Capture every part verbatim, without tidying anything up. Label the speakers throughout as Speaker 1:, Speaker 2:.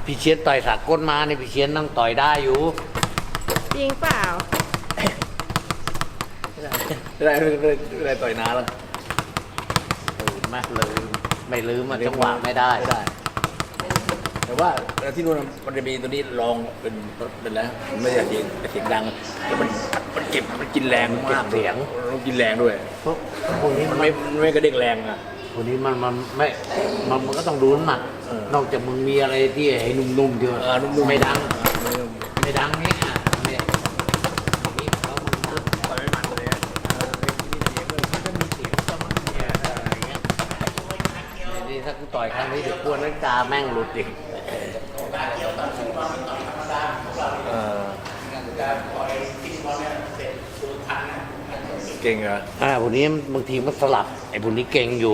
Speaker 1: พี่เชียนต่อยสากลมาเนี่ยพี่เชียนนั่งต่อยได้อยู่
Speaker 2: จริงเปล่า
Speaker 3: ไม่ได้ไม่ได้ไม่ได้ต่อยน้าแล้ว
Speaker 1: ลืมไหมลืมไม่ลืมมันจังหวะไม่ได้
Speaker 3: ไม่ได้แต่ว่าที่นู่นมันจะมีตัวนี้ลองเป็นเป็นแล้วไม่ใช่เสียงเสียงดังแล้วมันมันเก็บมันกินแรงมาก
Speaker 1: เสียง
Speaker 3: มันกินแรงด้วย
Speaker 1: เพราะพวกนี้
Speaker 3: มันไม่มันไม่กระเด้งแรงอ่ะ
Speaker 1: พวกนี้มันมันไม่มันมันก็ต้องดูน้ำหนักนอกจากมึงมีอะไรที่ให้นุ่มๆเดียวไม่ดังไม่ดังนี่อ่ะเนี่ยนี่เขามัน
Speaker 3: ต่อยไม่มันเลย
Speaker 1: มันจะมีเสียงประมาณนี้อะไรเงี้ยนี่ถ้ากูต่อยครั้งนี้เดี๋ยวกลัวนักตาแม่งหลุดอีก
Speaker 3: เก่งเหรอ
Speaker 1: อ่าพวกนี้บางทีมันสลับไอ้พวกนี้เก่งอยู่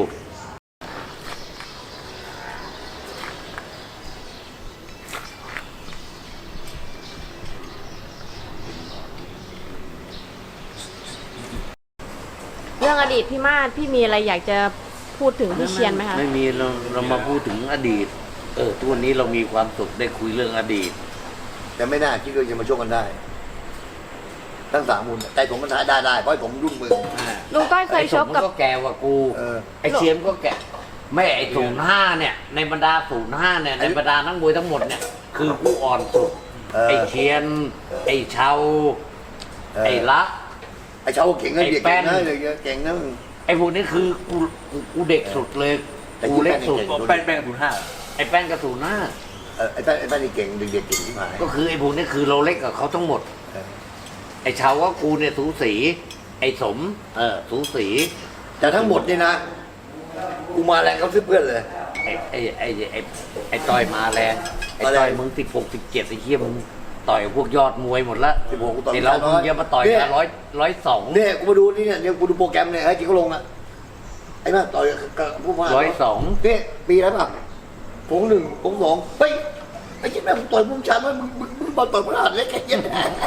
Speaker 2: เรื่องอดีตพี่มาศพี่มีอะไรอยากจะพูดถึงพี่เชียนไหมคะ
Speaker 1: ไม่มีเราเรามาพูดถึงอดีตเออทุกวันนี้เรามีความสุขได้คุยเรื่องอดีต
Speaker 4: แต่ไม่น่าคิดว่าจะมาชกกันได้ทั้งสามมุนแต่ผมมันท้ายได้ได้เพราะผมรุ่นมือ
Speaker 2: ลุงต้อยเคยชกกับ
Speaker 1: ก็แกว่ากูไอเชียมก็แกไม่ไอศูนย์ห้าเนี่ยในบรรดาศูนย์ห้าเนี่ยในบรรดานักมวยทั้งหมดเนี่ยคือกูอ่อนสุดไอเชียนไอเชาไอละ
Speaker 4: ไอเชาเก่งนะเด็กเก่งนะเก่งนะ
Speaker 1: ไอพวกนี้คือกูกูเด็กสุดเลยกูเล็กสุด
Speaker 3: แป้งแป้งศูนย์ห้า
Speaker 1: ไอแป้งกับศูนย์ห้า
Speaker 4: ไอ้แป้งไอ้แป้งนี่เก่งเด็กๆเก่งที่หาย
Speaker 1: ก็คือไอ้พวกนี้คือเราเล็กกับเขาทั้งหมดไอ้ชาวว่ากูเนี่ยสูสีไอ้สมเออสูสี
Speaker 4: แต่ทั้งหมดนี่นะกูมาแรงเขาซื้อเพื่อนเลย
Speaker 1: ไอ้ไอ้ไอ้ไอ้ไอ้ต่อยมาแรงไอ้ต่อยมึงสิบหกสิบเจ็ดไอ้เหี้ยมึงต่อยพวกยอดมวยหมดละ
Speaker 4: สิบหกกูต่อย
Speaker 1: เรามึงจะมาต่อยกันร้อยร้อยสอง
Speaker 4: เนี่ยกูมาดูนี่เนี่ยกูดูโปรแกรมเนี่ยไอ้จีเขาลงอ่ะไอ้แม่ต่อยกับผู้มา
Speaker 1: ร้อยสอง
Speaker 4: เนี่ยปีแล้วป่ะผมหนึ่งผมสองเฮ้ยไอ้ที่แม่ต่อยมึงชามึงมึงมึงมึงต่อยมึงหันเล็กแค่ยัน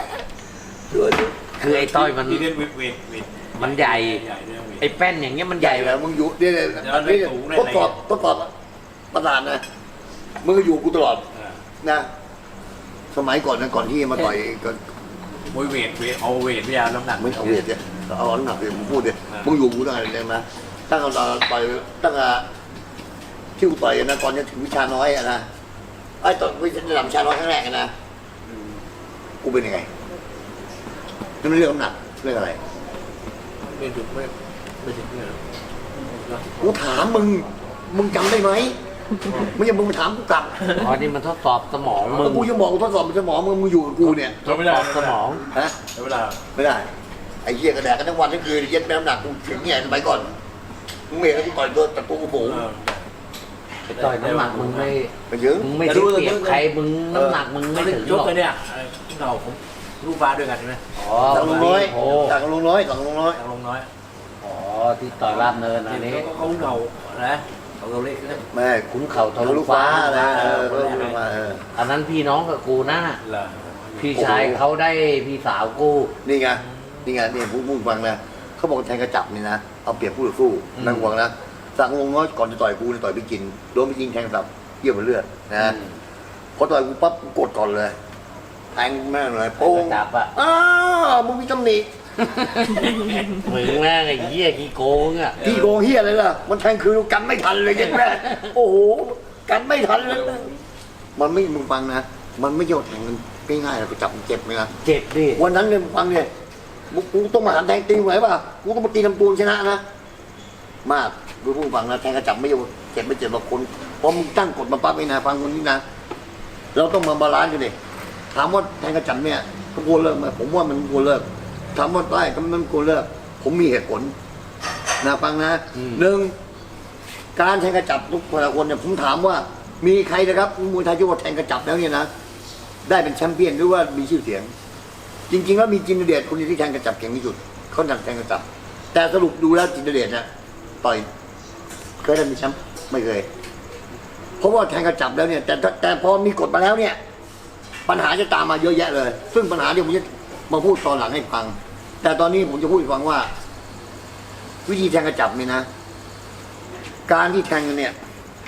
Speaker 1: คือไอ้ต้อยมันมันใหญ่ไอ้แป้นอย่างเงี้ยมันใหญ่
Speaker 4: แล้วมึงอยู่เนี่ยอันนี้ทดสอบทดสอบประธานนะมึงก็อยู่กูตลอดนะสมัยก่อนนะก่อนที่มาต่อยก่อน
Speaker 3: มวยเวทเวทเอาเวทไม่เอาน้ำหนัก
Speaker 4: ไม่เอาเวทเนี่ยเอาน้ำหนักเลยมึงพูดเนี่ยมึงอยู่กูตั้งแต่เลยนะตั้งแต่ต่อยตั้งแต่ที่กูต่อยนะก่อนจะถึงวิชาน้อยอะนะไอ้ตอนวิชาระดับวิชาน้อยครั้งแรกนะกูเป็นยังไงนี่มันเรื่องน้ำหนักเรื่องอะไร
Speaker 3: ไม่ถึงไม่ไม่ถึงเนี่ย
Speaker 4: กูถามมึงมึงจำได้ไหมไม่ใช่มึงมาถามกูกลับ
Speaker 1: อ๋อนี่มันทดสอบสมองมึง
Speaker 4: กูจะบอกกูทดสอบสมองมึงมึงอยู่กับกูเนี่ย
Speaker 1: ทดสอบสมอง
Speaker 4: ฮะ
Speaker 3: ไม่ได้
Speaker 4: ไม่ได้ไอ้เหี้ยกระแดกกันทั้งวันทั้งคืนเย็ดแม่น้ำหนักกูถึงเนี่ยสมัยก่อนมึงเมย์ก็ต่อยตัวตะปูกระโปง
Speaker 1: ต่อยน้ำหนักมึงไม่
Speaker 4: ไม่เยอะ
Speaker 1: มึงไม่ได้เปรียบใครมึงน้ำหนักมึงไม่ถึงหรอก
Speaker 3: เนี่ยเราผมลูกฟ้าด้วยกันใช่ไหม
Speaker 1: อ๋อ
Speaker 4: ต่างลงน้อยต่างลงน้อยต่างลงน้อย
Speaker 3: ต่างลงน้อย
Speaker 1: อ๋อที่ต่อยราบเนินอันนี้
Speaker 3: เขาเงานะเขาเล็ก
Speaker 4: แม่
Speaker 1: ขุนเข่าทะลุฟ้า
Speaker 4: อะไร
Speaker 1: อันนั้นพี่น้องกับกูนะพี่ชายเขาได้พี่สาวกู
Speaker 4: นี่ไงนี่ไงนี่พูดพูดฟังนะเขาบอกแทงกระจับนี่นะเอาเปรียบผู้ต่อสู้นั่งหวังนะสั่งลงน้อยก่อนจะต่อยกูจะต่อยไปกินโดนไปยิงแทงสับเยี่ยมเลือดนะพอต่อยกูปั๊บกดก่อนเลยแทงแม่เลยโป้ง
Speaker 1: จับอ่ะ
Speaker 4: อ้าวมึงมีตำหนิ
Speaker 1: มึงแม่ไอ้เหี้ยขี้โกงอ่ะ
Speaker 4: ขี้โกงเหี้ยอะไรล่ะมันแทงคือกันไม่ทันเลยยังแม่โอ้โหกันไม่ทันเลยมันไม่มึงฟังนะมันไม่โยนแทงกันง่ายๆเราไปจับเจ็บไหมล่ะ
Speaker 1: เจ็บดิ
Speaker 4: วันนั้นเนี่ยฟังเนี่ยกูต้องมาหันแทงตีไหวป่ะกูต้องมาตีลำตัวชนะนะมากดูผู้ฟังนะแทงกระจับไม่โยนเจ็บไม่เจ็บหรอกคนพอมึงตั้งกฎมาปั๊บไอ้นะฟังคนนี้นะเราต้องมาบาลานซ์กันดิถามว่าแทงกระจับเนี่ยก็ควรเลิกไหมผมว่ามันควรเลิกถามว่าได้ก็มันควรเลิกผมมีเหตุผลนะฟังนะหนึ่งการแทงกระจับทุกคนเนี่ยผมถามว่ามีใครนะครับมวยไทยที่ว่าแทงกระจับแล้วเนี่ยนะได้เป็นแชมเปี้ยนหรือว่ามีชื่อเสียงจริงๆแล้วมีจินเดชคนที่แทงกระจับเก่งที่สุดเขาดังแทงกระจับแต่สรุปดูแล้วจินเดชนะต่อยเคยได้มีแชมป์ไม่เคยเพราะว่าแทงกระจับแล้วเนี่ยแต่แต่พอมีกฎมาแล้วเนี่ยปัญหาจะตามมาเยอะแยะเลยซึ่งปัญหาที่ผมจะมาพูดตอนหลังให้ฟังแต่ตอนนี้ผมจะพูดให้ฟังว่าวิธีแทงกระจับนี่นะการที่แทงกันเนี่ย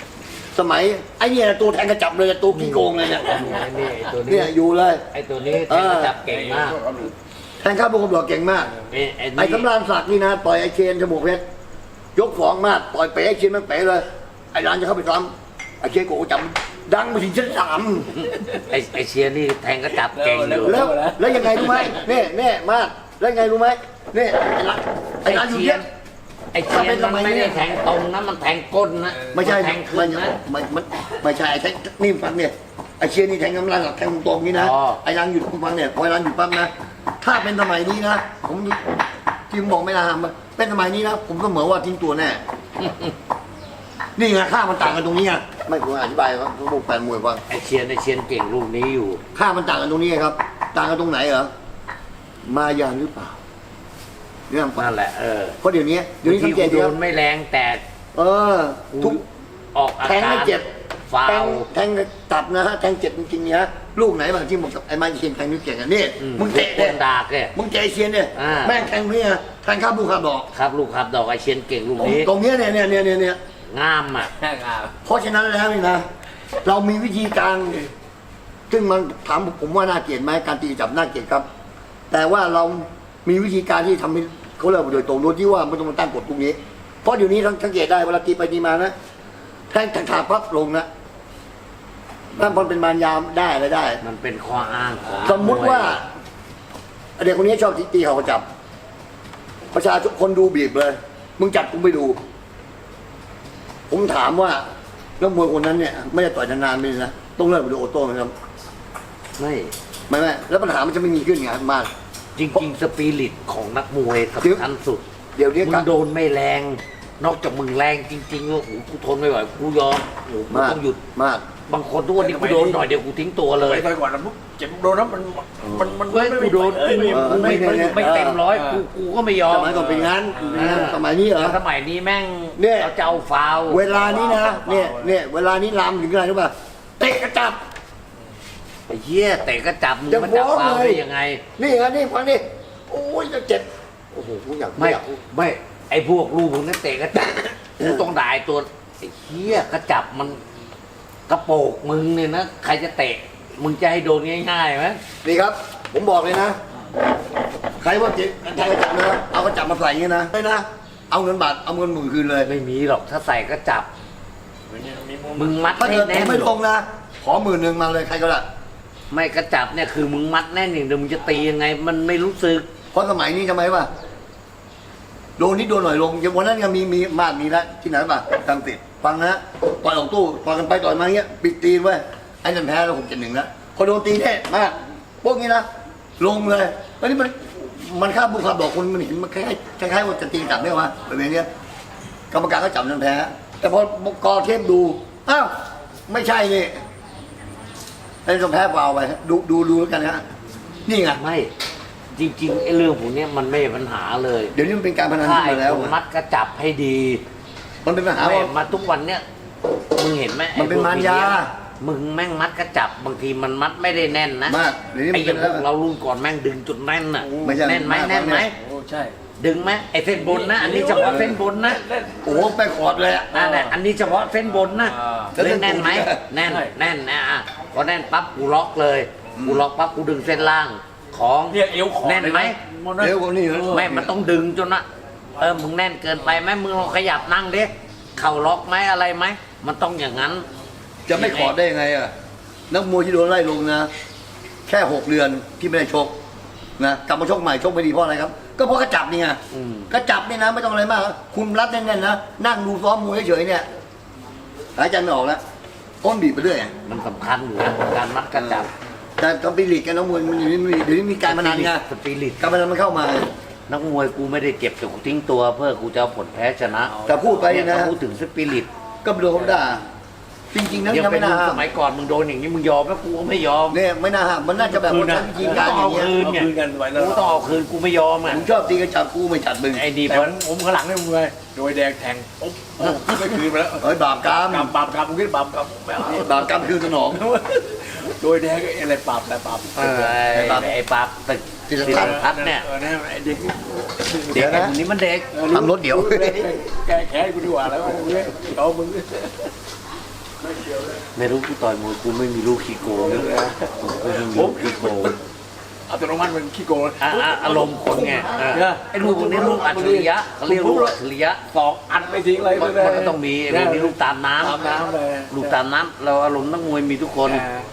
Speaker 4: สมัยไอ้เนี่ยตัวแทงกระจับเลยตัวขี้โกงเลยเนี่ย
Speaker 1: นี่ไอ้ตัวนี้
Speaker 4: เนี่ยอยู่เลย
Speaker 1: ไอ้ตัวนี้แทงกระจับเก่งมาก
Speaker 4: แทงข้าวบุกบอกเก่งมาก
Speaker 1: ไอ้ไอ้
Speaker 4: ไอ้
Speaker 1: นี่
Speaker 4: สำราญศักดิ์นี่นะต่อยไอ้เชนจมูกเพชรยกฟ้องมากต่อยเป๋ไอ้เชนมันเป๋เลยไอ้ร้านจะเข้าไปซ้ำไอ้เชนโกจำดังไปถึงชั้นสาม
Speaker 1: ไอ้ไอ้เชียร์นี่แทงกระจับเก่งอยู่
Speaker 4: แล้วแล้วยังไงรู้ไหมเนี่ยเนี่ยมากแล้วยังไงรู้ไหมเนี่ยไอ้ร้านไอ้ร้านอยู่เนี่ย
Speaker 1: ไอ้เชียร์มันไม่ได้แทงตรงนะมันแทงก้นนะ
Speaker 4: ไม่ใช่
Speaker 1: นแทงขึ้
Speaker 4: ไม่
Speaker 1: นนะ
Speaker 4: ไม่ไม่ไม่ใช่ไอ้แทงนี่ฟังเนี่ยไอ้เชียร์นี่แทงกำลังกับแทงตรงนี่นะ
Speaker 1: อ๋อ
Speaker 4: ไอ้ร้านอยู่ฟังเนี่ยพอไอ้ร้านอยู่ปั๊บนะถ้าเป็นสมัยนี้นะผมที่ผมบอกไม่น่าทำเป็นสมัยนี้นะผมก็เหมือนว่าทิ้งตัวแน่ นี่ไงค่ามันต่างกันตรงนี้ไงไม่ผมอธิบายครับพวกแฟนมวยฟัง
Speaker 1: ไอ้เชียร์ไอ้เชียร์เก่งลูกนี้อยู่
Speaker 4: ค่ามันต่างกันตรงนี้ไงครับ ต่างกันตรงไหนเหรอมายานหรือเปล่าเนี่ยฟัง
Speaker 1: นั่นแหละเออ
Speaker 4: เพราะเดี๋ยวนี้เดี๋ยวนี้สังเกต
Speaker 1: โด
Speaker 4: ดู
Speaker 1: นไม่แรงแต่
Speaker 4: เออทุก
Speaker 1: ออกอา
Speaker 4: แทง
Speaker 1: กา
Speaker 4: ไม่
Speaker 1: ร
Speaker 4: เจ็บ
Speaker 1: ฟา
Speaker 4: แทง
Speaker 1: ว
Speaker 4: แทงตับนะฮะแทงเจ็บจริงๆเนี่ยลูกไหนบางที่บอกไอ้ไม้เชียนแทงนิ้วเก่งอ่ะนี่
Speaker 1: อื
Speaker 4: มึงเตะ
Speaker 1: ค
Speaker 4: เนี่ย
Speaker 1: นดากเนี่ย
Speaker 4: มึงเตะไอ้เชียนเนี่ย
Speaker 1: อ่า
Speaker 4: แม่งแทงนี่ไงแทงข้าวบุกข้าวดอก
Speaker 1: ครับลูกครับดอกไอ้เชียร์เก่งลูก
Speaker 4: ตรง
Speaker 1: นี้
Speaker 4: ตรงเนี้ยเนี่ยเนี่ยเนี่ยเนี่ยเนี่ย
Speaker 1: งามอ่ะ
Speaker 4: เพราะฉะนั้นแล้วนี่นะ เรามีวิธีการ ซึ่งมันถามผมว่าน่าเกลียดไหมการตีจับน่าเกลียดครับ แต่ว่าเรามีวิธีการที่ทำให้เขาเลิกโดยตรงโดยที่ว่าไม่ต้องมาตั้งกฎตรงนี้ เพราะเดี๋ยวนี้สังเกตได้เวลาตีไปตีมานะแทงทางขาปั๊บลงนะนั่นพอเป็นมารยามได้อะไรได้
Speaker 1: มันเป็นข้ออ้างของ
Speaker 4: สมมุติว่าเด็กคนนี้ชอบตีเขาจับ ประชาชนคนดูบีบเลย มึงจับกูไปดู ผมถามว่านักมวยคนนั้นเนี่ยไม่ได้ต่อยนานๆไปเลยนะต้องเลิกไปดูโอโต้ไหมครับ
Speaker 1: ไม่
Speaker 4: ไม่ไม่แล้วปัญหามันจะไม่มีขึ้นไงมาก
Speaker 1: จริงๆสปิริตของนักมวย
Speaker 4: เดี๋ยว
Speaker 1: สำคัญสุด
Speaker 4: เดี๋ยวนี้
Speaker 1: มึ
Speaker 4: กั
Speaker 1: งโดนไม่แรง นอกจากมึงแรงจริงๆว่าโอ้โหกูทนไม่ไหวกูยอมโอ้โหกู
Speaker 4: มาก
Speaker 1: ต้องหยุด
Speaker 4: มาก
Speaker 1: บางคนทุกวันนี้กูโดนหน่อยเดียวกูทิ้งตัวเลย
Speaker 3: ไปก่อนนะปุ๊บเจ็บโดนแล้วมันมันมัน
Speaker 1: เฮ้ยกูโดนกูไม่
Speaker 4: เออ
Speaker 1: กูไม่
Speaker 4: ไม่ไม่
Speaker 1: ไม่เต็มร้อยกูกูก็ไม่ยอ
Speaker 4: ส
Speaker 1: ม
Speaker 4: มัยก่อนเป็นงั้น
Speaker 1: อ่า
Speaker 4: สมัยนี้เหรอ
Speaker 1: สมัยนี้แม่ง
Speaker 4: เนี่ย
Speaker 1: เราจะเอาฟาวล์
Speaker 4: เวลานี้นะเนี่ยเนี่ยเวลานี้ลามถึงอะไรรู้ป่ะเตะกระจับ
Speaker 1: ไอ้เหี้ยเตะก็จับมึง
Speaker 4: จะ
Speaker 1: มาจับ
Speaker 4: ฟ้อง
Speaker 1: ฟาวล์
Speaker 4: เลย
Speaker 1: ได้ยังไง
Speaker 4: นี่ไงนี่ฟังนี่โอ้ยจะเจ็บโอ้โหกูอยาก
Speaker 1: ไม่
Speaker 4: อยาก
Speaker 1: ไม่ไอ้พวกลูกมึงนั่นเตะก็จับกูต้องด่าไอ้ตัวไอ้เหี้ยกระจับมันกระโปกมึงเนี่ยนะใครจะเตะมึงจะให้โดนง่ายๆไหม
Speaker 4: นี่ครับ ผมบอกเลยนะ ใครว่าเจ็บใครกระจับนะเอากระจับมาใส่อย่างนี้นะไม่นะเอาเงินบาทเอาเงินหมื่นคืนเลย
Speaker 1: ไม่มีหรอกถ้าใส่ก็จับ มึงมัด
Speaker 4: ถ้า
Speaker 1: ให้
Speaker 4: เกิดผ
Speaker 1: แน่
Speaker 4: ม
Speaker 1: น
Speaker 4: ไม่ลงนะขอหมื่นหนึ่งมาเลยใครก็ได้
Speaker 1: ไม่กระจับเนี่ยคือมึงมัดแน่นอย่างเดียวมึงจะตียังไง มันไม่รู้สึก
Speaker 4: เพราะสมัยนี้ทำไมวะโดนนิดโดนหน่อยลงอย่างวันนั้นยังมีมีมากมีแล้วที่ไหนป่ะตังติดฟังนะต่อยออกตู้ต่อยกันไปต่อยมาเงี้ยปิดตีนไว้ไอ้นั่นแพ้แล้วผมเจ็ดหนึ่งแล้วพอโดนตีแน่มากพวกนี้นะลงเลยแล้วนี่มันมันข้ามบุคคลบอกคนมันเห็นมันคล้ายๆคล้ายๆว่าจะตีกลับได้วะแบบนี้กรรมการก็จับนั่นแพ้ แต่พอกอเทปดูอ้าวไม่ใช่นี่ไอ้ต้องแพ้เปล่าไปดูดูดูแล้วกันนะนี่ไง
Speaker 1: ไม่จริงๆไอ้เรื่องพวกเนี้ยมันไม่ใช่ปัญหาเลย
Speaker 4: เดี๋ยวนี้มันเป็นการพนัน
Speaker 1: ถ้า
Speaker 4: ขึ้น
Speaker 1: ไอ้
Speaker 4: มาแล้ว
Speaker 1: คนมัดกระจับให้ดี
Speaker 4: มันเป็นปัญหา
Speaker 1: ไม่
Speaker 4: ว่า
Speaker 1: มาทุกวันเนี้ยมึงเห็นไหม
Speaker 4: มันเป็น
Speaker 1: ไอ้พวก
Speaker 4: มารยา
Speaker 1: มึงแม่งมัดกระจับบางทีมันมัดไม่ได้แน่นนะ
Speaker 4: มากเดี๋ยวนี้
Speaker 1: ไอ้
Speaker 4: มัน
Speaker 1: อ
Speaker 4: เป็
Speaker 1: ย่าน งพ
Speaker 4: แล้ว
Speaker 1: วกเรารุ่นก่อนแม่งดึงจุดแน่นน่ะ
Speaker 4: ไม่ใช่
Speaker 1: แน่นไหม
Speaker 4: มาก
Speaker 1: แน่นไหม
Speaker 3: โอ้ใช่
Speaker 1: ดึงไหมไอ้เส้นบนนะ อันนี้เฉพาะเส้นบนนะ
Speaker 4: โอ้โหไปขอดเลยอะ
Speaker 1: นั่นแหละอันนี้เฉพาะเส้นบนนะ
Speaker 3: อ่า
Speaker 1: เล่นแน่นไหมแน่นแน่นนะอ่ะพอแน่นปั๊บกูล็อกเลยกูล็อกปั๊บกูดึงเส้นล่างของ
Speaker 3: เนี่ยเอวขอ
Speaker 1: แน่นไหม
Speaker 4: เร็วกว่านี้เหรอ
Speaker 1: ไม่มันต้องดึงจนนะเออมึงแน่นเกินไปไหมมึงลองขยับนั่งดิเข่าล็อกไหมอะไรไหมมันต้องอย่างนั้น
Speaker 4: จะไม่ขอดได้ยังไงอ่ะนักมวยที่โดนไล่ลงนะ แค่หกเดือนที่ไม่ได้ชกนะกลับมาชกใหม่ชกไม่ดีเพราะอะไรครับ ก็เพราะกระจับนี่ไง
Speaker 1: อืม
Speaker 4: กระจับนี่นะไม่ต้องอะไรมากคุณรัดแน่นๆนะนั่งดูซ้อมมวยเฉยๆเนี่ยหายใจไม่ออกแล้วก้นบีบไปเรื่อยอะ
Speaker 1: มันสำคัญอยู่นะการมัดกระจับ
Speaker 4: แต่ตอนปีลีกกันนักมวยมันอยู่นี่เดี๋ยวนี้มีการพนันไง
Speaker 1: สปิริต
Speaker 4: การพนันมันเข้ามา
Speaker 1: นักมวยกูไม่ได้เจ็บแต่กูทิ้งตัวเพื่อกูจะเอาผลแพ้ชนะ
Speaker 4: แต่พูดไป
Speaker 1: เนี่ย
Speaker 4: นะ
Speaker 1: ถ้าพูดถึงสปิริต
Speaker 4: ก็โดนเขาด่าจริงๆนะ
Speaker 1: ยัง
Speaker 4: ยัง
Speaker 1: เป็
Speaker 4: ไม่
Speaker 1: น
Speaker 4: น่า
Speaker 1: มึง
Speaker 4: ห้า
Speaker 1: ส
Speaker 4: ม
Speaker 1: มัยก่อนมึงโดนอย่างนี้มึงยอมแล้วกูก็ไม่ยอม
Speaker 4: เนี่ยไม่น่าห้ามมันน่าจะแบบว่าใช้วิธีการอย่างเงี้ย
Speaker 1: คืน
Speaker 3: เอา
Speaker 1: เนี่ย
Speaker 3: คืนกันไว้แล้ว
Speaker 1: กูต้องเอาคืนกูไม่ยอมอ่ะ
Speaker 4: ผมชอบตีกระจับกูไม่จัดมึง
Speaker 1: ไอ้ดี
Speaker 3: แต่
Speaker 1: เพราะ
Speaker 3: ผมข้างหลังเนี่ยมึงเลยโดยแดงแทงปุ๊บขึ้นไปคืนไปแล้ว
Speaker 4: เฮ้ยบาปกรรม
Speaker 3: กำบาปกำมึงคิดบาปกำไม่เอา
Speaker 4: บาปกรรมคือสนอง
Speaker 3: โดยแดงอะไรปราบอะไรปราบ
Speaker 1: เออไอ้ไอ้ปราบตึก
Speaker 4: จิ
Speaker 1: จิ
Speaker 4: ต
Speaker 1: ต
Speaker 4: ร
Speaker 1: ร
Speaker 4: พั
Speaker 1: พั
Speaker 4: ฒ
Speaker 1: ฒ
Speaker 4: น์
Speaker 1: น์
Speaker 3: เนี่
Speaker 1: เนี่ย ย
Speaker 3: ไอ้เด็ก
Speaker 1: เด็กไอ้คนนี้มันเด็ก
Speaker 4: ทำรถเดี๋ยว
Speaker 3: แกแค้นกูดีกว่าแล้วมึงเอามึง
Speaker 1: ไไม่รู้กูต่อยมวยกูไม่มีลูกขี้โกงกูไม่มีลูกขี้โกง
Speaker 3: อัตโนมัติมันขี้โกง
Speaker 1: อ่ะอ่ะอารมณ์คนไงเออไอ้ลูกคนนี้ลูกอัจฉริยะเขาเรียกลูกอัจฉริยะ
Speaker 3: สองอัดไม่ทิ้งเลย
Speaker 1: มันมันก็ต้องมีไอ้ลูกนี้ลูกตามน้ำ
Speaker 3: ตามน้ำเลย
Speaker 1: ลูกตามน้ำเราอารมณ์นักมวยมีทุกคน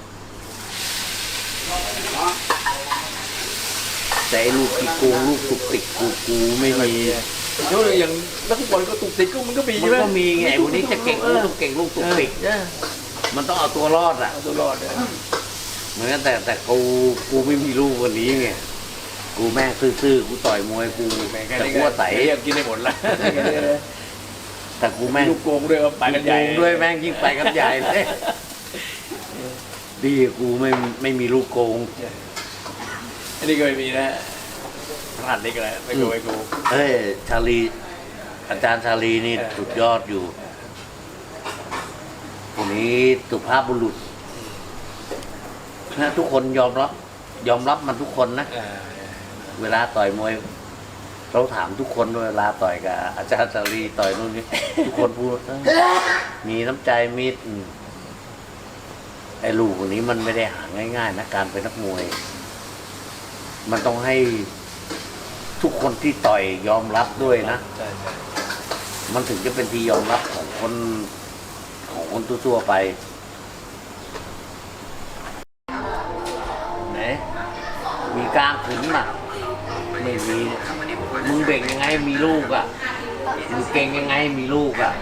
Speaker 1: แต่ไอ้ลูกขี้โกงลูกตุกติกกูกูไม่มี
Speaker 3: เดี๋ยวอย่างนักฟุตบอลก็ตุกติกก็มันก็มี
Speaker 1: มัน
Speaker 3: ใช่ไหม
Speaker 1: ก็มีไงไอ้คนนี้จะเก่งลูกตุกเก่งลูกตุกติก
Speaker 3: เออ
Speaker 1: มันต้องเอาตัวรอดอ่ะ
Speaker 3: เอาตัวรอดเนี่ย
Speaker 1: เหมือนกันแต่แต่กูกูไม่มีลูกวันนี้ไงกูแม่งซื่อๆกูต่อยมวยกู
Speaker 3: แม่งแค่
Speaker 1: แต่
Speaker 3: นี้
Speaker 1: กู
Speaker 3: ก็
Speaker 1: ว่าใส
Speaker 3: เรียกกินได้หมดละ
Speaker 1: แต่กูแม่ง
Speaker 3: ลูกโกงด้วยก็ไปกันใหญ่
Speaker 1: โกงด้วยแม่งยิ่งไปกันใหญ่เลยดีกูไม่ไม่มีลูกโกง
Speaker 3: อันนี้ก็ไม่มีนะพลาดเล็กอะไรไม่โกงไม่โกง
Speaker 1: เอ้ยชาลีอาจารย์ชาลีนี่
Speaker 3: เออ
Speaker 1: สุดยอดอยู่คนนี้สุภาพบุรุษนะทุกคนยอมรับ ยอมรับมันทุกคนนะ
Speaker 3: อ่า
Speaker 1: เวลาต่อยมวยเราถามทุกคนด้วยเวลาต่อยกับอาจารย์ชาลีต่อยนู่นนี่ ทุกคนพูดเออมีน้ำใจมีอืมไอ้ลูกคนนี้มันไม่ได้หาง่ายๆนะการเป็นนักมวย มันต้องให้ทุกคนที่ต่อยยอมรับด้วยนะ
Speaker 3: ใช่ใช่
Speaker 1: มันถึงจะเป็นที่ยอมรับของคนของคนทั่วๆไปไหนมีกลางขึนน่ะไม่มีมึงเบ่งยังไงมีลูกอ่ะมึงเก่งยังไงมีลูกอ่ะ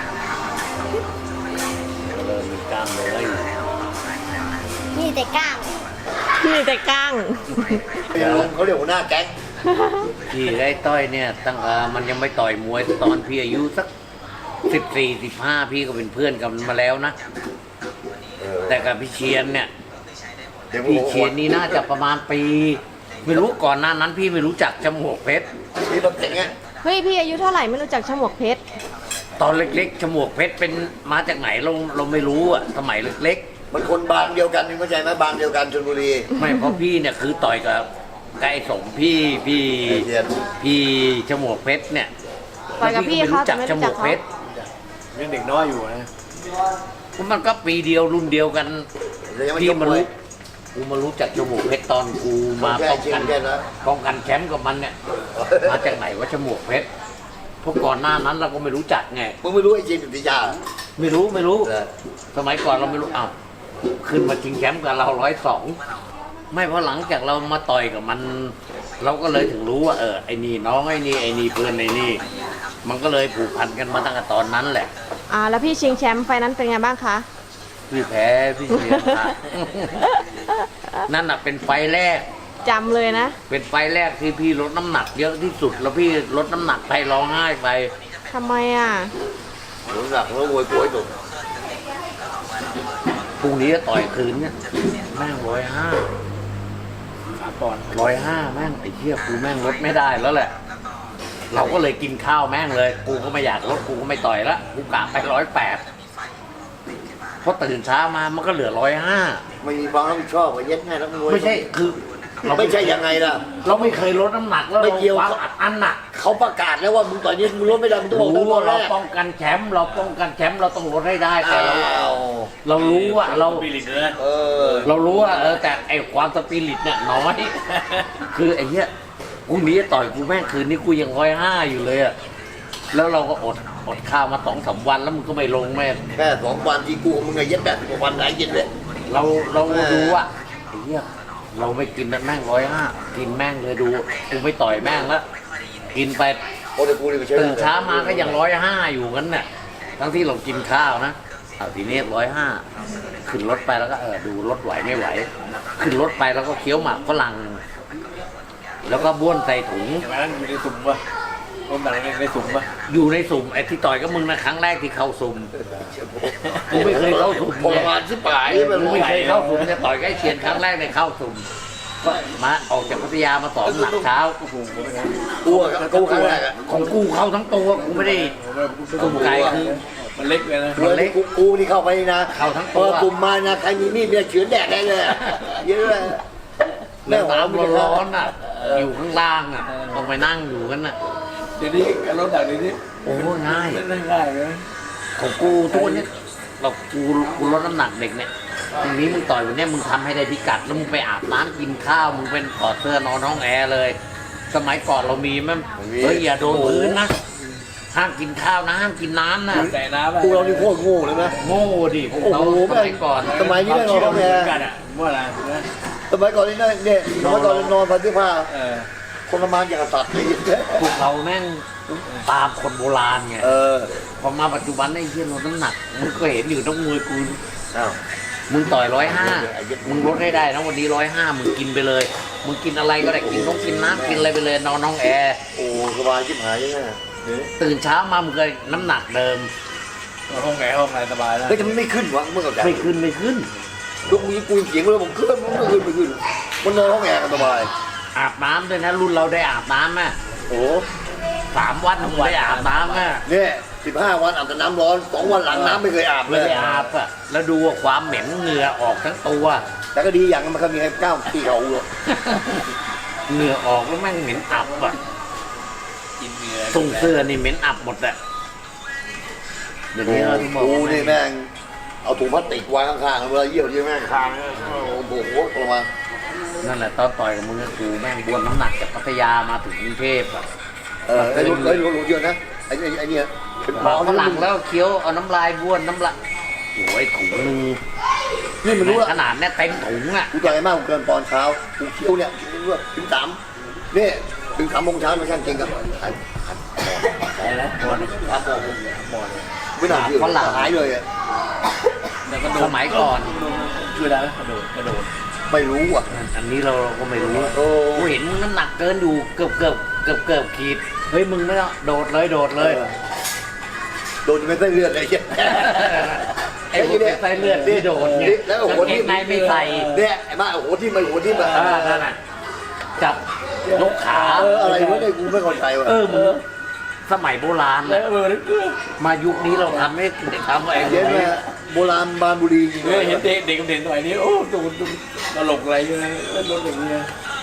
Speaker 1: เริ่มมีกล้ามเลย
Speaker 5: มีแต่ก้าง
Speaker 2: มีแต่ก้าง
Speaker 4: เขาเรียกหัวหน้าแก๊ง
Speaker 1: พี่ไอ้ต้อยเนี่ยตั้งแต่มันยังไม่ต่อยมวยตอนพี่อายุสักสิบสี่สิบห้าพี่ก็เป็นเพื่อนกันมาแล้วนะ แต่กับพี่เชียนเนี่ย
Speaker 4: เดี๋ยว
Speaker 1: พี่เชียนนี่น่าจะประมาณปี ไม่รู้ก่อนหน้านั้น พี่ไม่รู้จักจมูกเพชร
Speaker 4: นี่รถเก๋งไง
Speaker 2: เฮ้ยพี่อายุเท่าไหร่ไม่รู้จักฉมวกเพชร
Speaker 1: ตอนเล็กๆจมูกเพชรเป็นมาจากไหนเราเราไม่รู้อะสมัยเล็ก
Speaker 4: มันคนบางเดียวกันนี่เข้าใจไหมบางเดียวกันชลบุรี
Speaker 1: ๆ ไม่เพราะพี่เนี่ยคือต่อยกับไก่สมพี่พี่
Speaker 4: เชียน
Speaker 1: พี่จมูกเพชรเนี่ย
Speaker 2: ต่อยกับพี่เขาแต่ไม่
Speaker 1: จ
Speaker 2: รู้
Speaker 1: มู
Speaker 2: จัก
Speaker 1: ก
Speaker 2: เขา
Speaker 1: เพชร
Speaker 3: ยังเด็กน้อยอยู่นะ
Speaker 1: มันก็ปีเดียวรุ่นเดียวกัน
Speaker 4: เดี๋ยวยังไม่
Speaker 1: พี่
Speaker 4: จบ
Speaker 1: มา
Speaker 4: เล
Speaker 1: รู้
Speaker 4: ย
Speaker 1: กูมารู้จักจมูกเพชรตอนกูมา
Speaker 4: แค่
Speaker 1: ป้อง
Speaker 4: เชีย
Speaker 1: กัน น
Speaker 4: แค่นั้น
Speaker 1: ป้องกันแชมป์กับมันเนี่ย มาจากไหนว่าจมูกเพชรเพราะก่อนหน้านั้นเราก็ไม่รู้จักไง
Speaker 4: มึงไม่รู้ไอ้จีนสุติยา
Speaker 1: ไม่รู้ไม่รู้
Speaker 4: เหรอ
Speaker 1: สมัยก่อนเราไม่รู้อ้าวขึ้นมาชิงแชมป์กับเราร้อยสองไม่เพราะหลังจากเรามาต่อยกับมัน เราก็เลยถึงรู้ว่าเออไอ้นี่น้องไอ้นี่ไอ้นี่เพื่อนไอ้นี่ มันก็เลยผูกพันกันมาตั้งแต่ตอนนั้นแหละ
Speaker 2: อ่าแล้วพี่ชิงแชมป์ไฟนั้นเป็นไงบ้างคะ
Speaker 1: พี่แพ้พี่เสียค่ะ นั่นน่ะเป็นไฟล์แรก
Speaker 2: จำเลยนะ
Speaker 1: เป็นไฟล์แรกที่พี่ลดน้ำหนักเยอะที่สุด แล้วพี่ลดน้ำหนักไปร้องไห้ไป
Speaker 2: ทำไมอ่ะ
Speaker 4: หลงหลักแล้วโวยกล้วยตุ่ม
Speaker 1: พรุ่งนี้จะต่อยคืนเนี่ยแม่งร้อยห้า
Speaker 3: สามปอนด์
Speaker 1: ร้อยห้าแม่งไอ้เหี้ยกูแม่งลดไม่ได้แล้วแหละ เราก็เลยกินข้าวแม่งเลย กูก็ไม่อยากลดกูก็ไม่ต่อยละกูกะไปร้อยแปดพอตื่นเช้ามามันก็เหลือร้อยห้า
Speaker 4: ไม่มีความรับผิดชอบว่าเย็ดง่ายนักมวย
Speaker 1: ไม่ใช่คือเรา
Speaker 4: ไม่ใช่ยังไงล่ะ
Speaker 1: เราไม่เคยลดน้ำหนักแล้ว
Speaker 4: ไม่เกี่ยว
Speaker 1: ความอัดอั้นหนัก
Speaker 4: เขาประกาศแล้วว่ามึงต่อยนี้มึงลดไม่ได้มึงต้องบอกตั้ง
Speaker 1: รู้
Speaker 4: แต่
Speaker 1: ว่า
Speaker 4: แร
Speaker 1: เรา
Speaker 4: ก
Speaker 1: ป้องกันแชมป์เราป้องกันแชมป์เราต้องลดให้ได้แต่
Speaker 4: อ้า
Speaker 1: เรา
Speaker 4: ว
Speaker 1: เรารู้ว่าเรา
Speaker 3: บิลิตเลย
Speaker 4: เออ
Speaker 1: เรารู้ว่าเออแต่ไอความสปิริตเนี่ยน้อย คือไอ้เนี้ยกูหนีต่อยกูแม่งคืนนี้กูยังร้อยห้าอยู่เลยอะแล้วเราก็อดอดข้าวมาสองสามวันแล้วมึงก็ไม่ลงแม่ง
Speaker 4: แค่สองวันที่กูกับมึงไงเย็ดแบบกว่าวันไหนเย็ดเลย
Speaker 1: เราเรา
Speaker 4: แม่
Speaker 1: ดูว่าไอ้เนี้ยเราไม่กินแม่งร้อยห้ากินแม่งเลยดูกูไม่ต่อยแม่งแล้วกินไป
Speaker 4: โอ้แต่กูนี่ไม่ใช่
Speaker 1: ตื่นเช้ามาก็ยังร้อยห้าอยู่กันน่ะทั้งที่เรากินข้าวนะเอาทีนี้ร้อยห้าขึ้นรถไปแล้วก็เออดูรถไหวไม่ไหว ขึ้นรถไปแล้วก็เคี้ยวหมากฝรั่งแล้วก็บ้วนใส่ถุง
Speaker 3: เห็นไหมนั่นอยู่ในสุ่มปะคนอะไรในสุ่มปะ
Speaker 1: อยู่ในสุ่มไอ้ที่ต่อยกับมึงนะครั้งแรกที่เข้าสุ่มกูไม่เคยเข้าสุ่ม
Speaker 4: ทร
Speaker 1: เนี่ย
Speaker 4: มานชิบหายแบบ
Speaker 1: กูไม่เคยเข้าสุ่มเนี่ยต่อยใกล้เชียนครั้งแรกในเข้าสุ่มก็มาออกจากพัทยามาสอนหนักเช้า
Speaker 3: โอ้โหผมไม่ได้
Speaker 4: กูอะกูครั้งแรกอะ
Speaker 1: ของกูเข้าทั้งตัวกูไม่ได้สุ่มไก่คือ
Speaker 3: มันเล็กเลยนะ
Speaker 1: มันเล็ก
Speaker 4: กูกูนี่เข้าไปนี่นะ
Speaker 1: เข้าทั้งตัว
Speaker 4: เออกลุ่มมานะใครมีมีดเนี่ยเฉือนแดกได้เลยเยอะเลย
Speaker 1: แล้วน้ำร้อนๆอ่ะ อยู่ข้างล่างอ่ะต้องไปนั่งอยู่กันน่ะ
Speaker 3: เดี๋ยวนี้การลดน้ำหนักเดี๋ยวนี้
Speaker 1: โอ้ง่าย
Speaker 3: ไม่ได้ง่ายเลย
Speaker 1: ของกูทุกวันนี้เรากูกูลดน้ำหนักเด็กเนี่ยทีนี้มึงต่อยวันเนี้ยมึงทำให้ได้พิกัดแล้วมึงไปอาบน้ำกินข้าวมึงเป็นถอดเสื้อนอนห้องแอร์เลย สมัยก่อนเรามีมั้ยเฮ้ยอย่าโดนพื้นนะห้ามกินข้าวนะห้ามกินน้ำนะ
Speaker 3: แต่น้ำ
Speaker 4: พวกเรานี่โคตรโง่เลยนะ
Speaker 1: โง่ดิพวกเรา
Speaker 4: โอ้โห
Speaker 1: สมัยก่อน
Speaker 4: สมัยนี้ได้นอนห้องแอร์
Speaker 3: กันอ่ะว่าอะไรนะ
Speaker 4: สมัยก่อนนี่นะเนี่ยสมัยก่อนนอนพันที่ผ้า
Speaker 3: เออ
Speaker 4: คนละมานอย่างกับสัตว์เลย
Speaker 1: พวกเราแม่งตามคนโบราณไง
Speaker 4: เออ
Speaker 1: พอมาปัจจุบันไอ้เหี้ยลดน้ำหนักมึงก็เห็นอยู่ต้องมวยกู
Speaker 4: อ้าว
Speaker 1: มึงต่อยร้อยห้ามึงลดให้ได้นะวันนี้ร้อยห้ามึงกินไปเลย มึงกินอะไรก็ได้กินต้องกินน้ำกินอะไรไปเลยนอนห้องแอร์
Speaker 4: โอ้สบายชิบหายยังไง
Speaker 1: ตื่นเช้ามามึงก็น้ำหนักเดิม
Speaker 3: ห้องไหนห้องไหนสบายแล้ว
Speaker 4: เฮ้ยทำไมไม่ขึ้นวะเมื่อก่อน
Speaker 1: ไม่ขึ้นไม่ขึ้น
Speaker 4: ลูกมีกูเสียงเลยผมขึ้นมันไม่ขึ้นไม่ขึ้นมันนอนห้องแอร์กันสบาย
Speaker 1: อาบน้ำด้วยนะรุ่นเราได้อาบน้ำอ่ะ
Speaker 4: โอ้
Speaker 1: สามวันมึงได้อาบน้ำอ่ะ
Speaker 4: เนี่ยสิบห้าวันอาบแต่น้ำร้อนสองวันหลังน้ำไม่เคยอาบเล
Speaker 1: ไม่
Speaker 4: ย
Speaker 1: ได้อาบอ่ะแล้วดูว่าความเหม็นเหงื่อออกทั้งตัว
Speaker 4: แต่ก็ดีอย่างมันก็มีให้ก้าวที่เขาหรอก
Speaker 1: เหงื่อออกแล้วแม่งเหม็นอับอ่ะ
Speaker 3: กินเนื้อ
Speaker 1: ส่งเสื้อนี่เหม็นอับหมดอ่ะเดี๋ยวนี้เราที่บอก
Speaker 4: กู
Speaker 1: ว่า
Speaker 4: นี่แม่งเอาถุงพลาสติกวางข้างๆเวลาเยี่ยวที่แม่งคางโอ้โหประมาณ
Speaker 1: นั่นแหละตอนต่อยกับมึงก็คือแม่งบวนน้ำหนักจากพัทยามาถึงกรุงเทพอ่ะ
Speaker 4: เออไอ้รถไอ้รถรถเยอะนะไอ้ไอ้ไอ้เนี่ยเป็น
Speaker 1: หมา
Speaker 4: เมา
Speaker 1: ฝรั่งแล้วเคี้ยวเอาน้ำลายบ้วนน้ำลายโอ้ยถุงนึง
Speaker 4: นี่มันรู้ละ
Speaker 1: ขนาดเนี้ยเต็มถุงอ่ะ
Speaker 4: กูต่อยมากกูเกินปอนด์เช้ากูเคี้ยวเนี่ยรู้ว่าถึงสามเนี่ยถึงสามโมงเช้ามาช่างจริงกับหันหัน
Speaker 3: อะไรนะบอลครับบอลบอล
Speaker 4: ไม่น่าเชื่อหายเลยอ่ะ
Speaker 3: แล้วก็โด
Speaker 1: ส
Speaker 3: น
Speaker 1: มัยก่อน
Speaker 3: ช่วยได้ไหมกระโดดกระโดด
Speaker 4: ไม่รู้อ่ะ
Speaker 1: อันนี้เราก็ไม่รู้
Speaker 4: โอ้
Speaker 1: กูเห็นมึงน้ำหนักเกินอยู่เกือบเกือบเกือบเกือบขีดเฮ้ยมึงไม่ต้องโดดเลยโดดเลย
Speaker 4: โดนเป็นไส้เลือดเลย
Speaker 1: ไอ้พวกไส้เลือดที่โดดเนี่ย
Speaker 4: แล้วโอ้โห
Speaker 1: กางเกงในไม่ใส่
Speaker 4: เนี่ยไอ้บ้าโอ้โหที่มาโอ้โหที่มา
Speaker 1: เออนั่นน่ะจับยกขา
Speaker 4: เอออะไรวะเนี่ยกูไม่เข้าใจว่ะ
Speaker 1: เออมึงสมัยโบราณ
Speaker 3: แล้ว
Speaker 1: น่ะ
Speaker 3: เออ
Speaker 1: มายุคนี้เราทำไม่ได้ทำไอ้
Speaker 4: เย็นแม่โบราณบานบุรีจริง
Speaker 3: เออเห็นเด็กเด็กเด่นสมัยนี้โอ้ดูดูตลกอะไรอยู่นะเล่นรถอย่างเงี้ย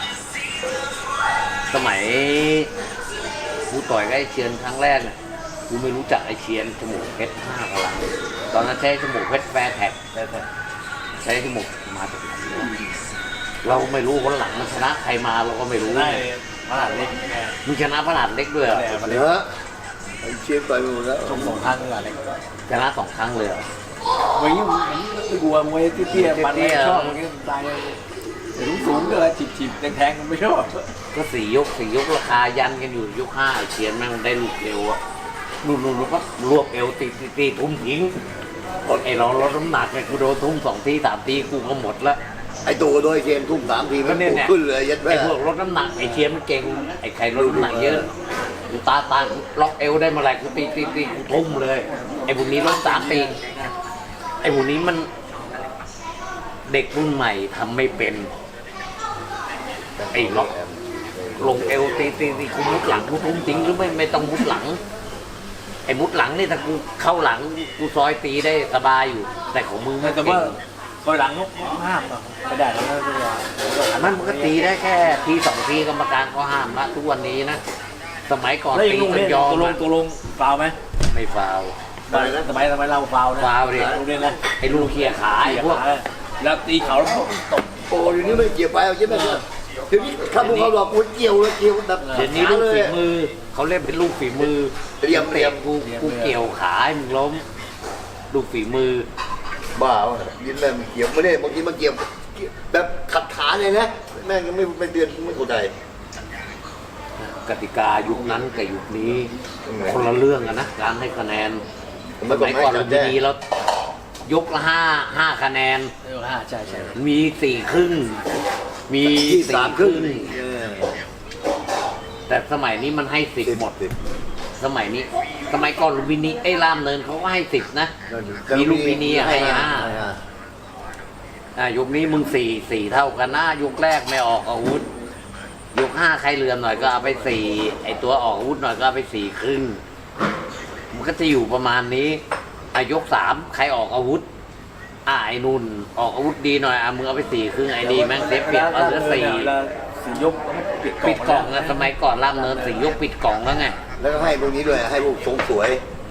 Speaker 1: สมัยกูต่อยกับไอ้เชียนครั้งแรกเนี่ยกูไม่รู้จักไอ้เชียนจมูกเพชรห้าพลังตอนนั้นใช้จมูกเพชรแฟร์แท็ก
Speaker 3: แต่แต่
Speaker 1: ใช้จมูกมาจากไหนวะเราไม่รู้คนหลังมันชนะใครมาเราก็ไม่รู้
Speaker 3: ได้พลาดเล็กไง
Speaker 1: มึงชนะพระหลานเล็กด้วยเหรอ
Speaker 3: แต่
Speaker 4: เนอะไอ้เชียร์ต่อยไปหมดแล้ว
Speaker 3: ชมสองครั้งพลาดเล็ก
Speaker 1: ชนะสองครั้งเลยเหรอ
Speaker 3: มวยยิ่งไม่กลัวมวยเตี้ยๆมันไม่ชอบมันก็ตายสูงสูงก็จีบจีบแทงๆไม่ชอบ
Speaker 1: ก็สี่ยกสี่ยกราคายันกันอยู่ยกห้าไอ้เชียนแม่งได้ลูกเอวอะนู่นนู่นก็รวบเอวตีตีตีทุ่มทิ้งไอ้เราลดน้ำหนักเนี่ยกูโดนทุ่มสองทีสามทีกูก็หมดละ
Speaker 4: ไอ้ตัวโดยเชียร์ทุ่มสามทีมันปุ๊บขึ้นเลยยัดแม่
Speaker 1: ไอ้พวกลดน้ำหนักไอ้เชียนมันเก่งไอ้ใครลดน้ำหนักเยอะกูตาตากูล็อกเอวได้เมื่อไหร่กูตีตีตีกูทุ่มเลยไอ้พวกนี้ลดสามตีไอ้พวกนี้มันเด็กรุ่นใหม่ทำไม่เป็นไอ้ล็อกลงเอวตีตีตีกูมุดหลังกูทุ่มทิ้งหรือไม่ไม่ต้องมุดหลังไอ้มุดหลังนี่ถ้ากูเข้าหลังกูซอยตีได้สบายอยู่ แต่ของมึงไม่
Speaker 3: แต่
Speaker 1: เก่
Speaker 3: ว่าง คอยหลังนกห้ามไม่ได้แล้วไม่ได้
Speaker 1: อันนั้นมันก็ตีได้แค่ทีสองทีกรรมการก็ห้ามละทุกวันนี้นะสมัยก่อน
Speaker 3: แล้วยั
Speaker 1: ตี
Speaker 3: งลุง
Speaker 1: กั
Speaker 3: เล่
Speaker 1: น
Speaker 3: น
Speaker 1: ยอม
Speaker 3: ตัวลง
Speaker 1: นะ
Speaker 3: ตัวลงฟาวไหม
Speaker 1: ไม่ฟาวล์
Speaker 3: สมัยสมัยเราฟาวนะ
Speaker 1: ฟาวดิ
Speaker 3: ลุงเล่นนะ
Speaker 1: ไอ้ลูกเคียขาไอ้พวก
Speaker 3: แล้วตีเขาแล้วตบ
Speaker 4: โอ้เดี๋ยวนี้ไม่เกี่ยวไปเอายัดแม่เดี๋ยวนี้ข้าพวกเขาบอกกูเกี่ยวเลยเกี่ยวแบบ
Speaker 1: เดี๋ยวนี้ลูกฝีมือเขาเล่นเป็นลูกฝีมือ
Speaker 4: เรียมเรียม
Speaker 1: กูกูเกี่ยวขาให้มึงล้มลูกฝีมือ
Speaker 4: บ้าวะยินแม่งเกี่ยวไม่ได้บางทีมันเกี่ยวแบบขัดขาเลยนะแม่งยังไม่เป็นเดือนไม่เข้าใจ
Speaker 1: กติกายุคนั้นกับยุคนี้ คนละเรื่องกันนะการให้คะแนนสมัยก่อนเราจะมีแล้วยกละห้าห้าคะแนน
Speaker 3: เออห้าใช่ใช่
Speaker 1: มีสี่ครึ่ง มี
Speaker 4: ที่
Speaker 1: สี่
Speaker 4: สาม
Speaker 1: ค
Speaker 4: ครึ่
Speaker 1: รึ่
Speaker 4: ง
Speaker 1: ง แต่สมัยนี้มันให้สิบหมด
Speaker 4: สิบ
Speaker 1: สมัยนี้ สมัยก่อนลุมพินีไอ้รามเนินเขาก็ให้สิบนะ มีลุมพินีอะให้ห้า อ่ะยกนี้มึงสี่สี่เท่ากันนะยกแรกไม่ออกอาวุธยกห้าใครเหลื่อมหน่อยก็เอาไปสี่ไอตัวออกอาวุธหน่อยก็เอาไปสี่ครึ่งมันก็จะอยู่ประมาณนี้อายกสามใครออกอาวุธอ่าไอ้นุ่นออกอาวุธดีหน่อยอ่ะมึงเอาไปสี่ครึ่งไอ้ดีแม่งเสียเปรียบเอาเหลือสี่
Speaker 3: สี่ยกปิด
Speaker 1: ปิดกล่องนะสมัยก่อนล่ามเนินสี่ยกปิดกล่องแล้วไง
Speaker 4: แล้วก็ให้พวกนี้ด้วยให้พวกทรงสวย แ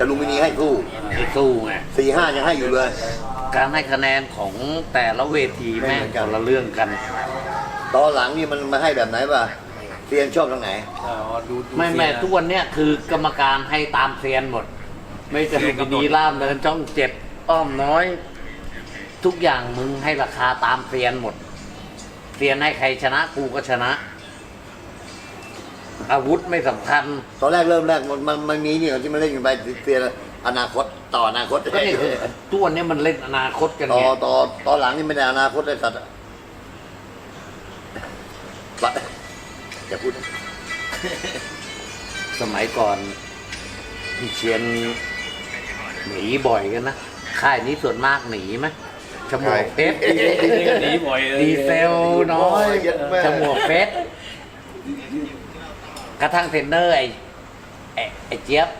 Speaker 4: แต่ลุมพินีให้สู้
Speaker 1: ให้สู้ไง
Speaker 4: สี่ห้ายังให้อยู่เลย
Speaker 1: การให้คะแนนของแต่ละเวทีแม่งคนละเรื่องกัน
Speaker 4: ตอนหลังนี่มันมาให้แบบไหนป่ะเซียนชอบทางไหน
Speaker 3: อ๋อดูดู
Speaker 1: ไม่แม่
Speaker 3: เสียนะ
Speaker 1: ทุกวันเนี้ยคือกรรมการให้ตามเซียนหมด ไม่จะลุมพินีล่ามเดินช่องเจ็ดอ้อมน้อย ทุกอย่างมึงให้ราคาตามเซียนหมดเซียนให้ใครชนะกูก็ชนะ อาวุธไม่สำคัญ
Speaker 4: ตอนแรกเริ่มแรกมันมันมันมีนี่ที่มันเล่นกันไปเซียนอนาคตต่ออนาคต
Speaker 1: ก็นี่คือตัวนนี้มันเล่นอนาคตกัน
Speaker 4: ต่อ
Speaker 1: ไง
Speaker 4: ต่อตอนหลังนี่ไม่ได้อนาคตเลยสัตว์ปะอย่าพูด
Speaker 1: สมัยก่อนพี่เชียนหนีบ่อยกันนะค่ายนี้ส่วนมากหนีไหมฉมวกเพชร
Speaker 3: นี่ก็หนีบ่อยเลย
Speaker 1: ดีเซลน้อยฉมวกเพชรกระทั่งเทรนเนอร์ไอ้ไอ้ไอ้เจี๊ยบ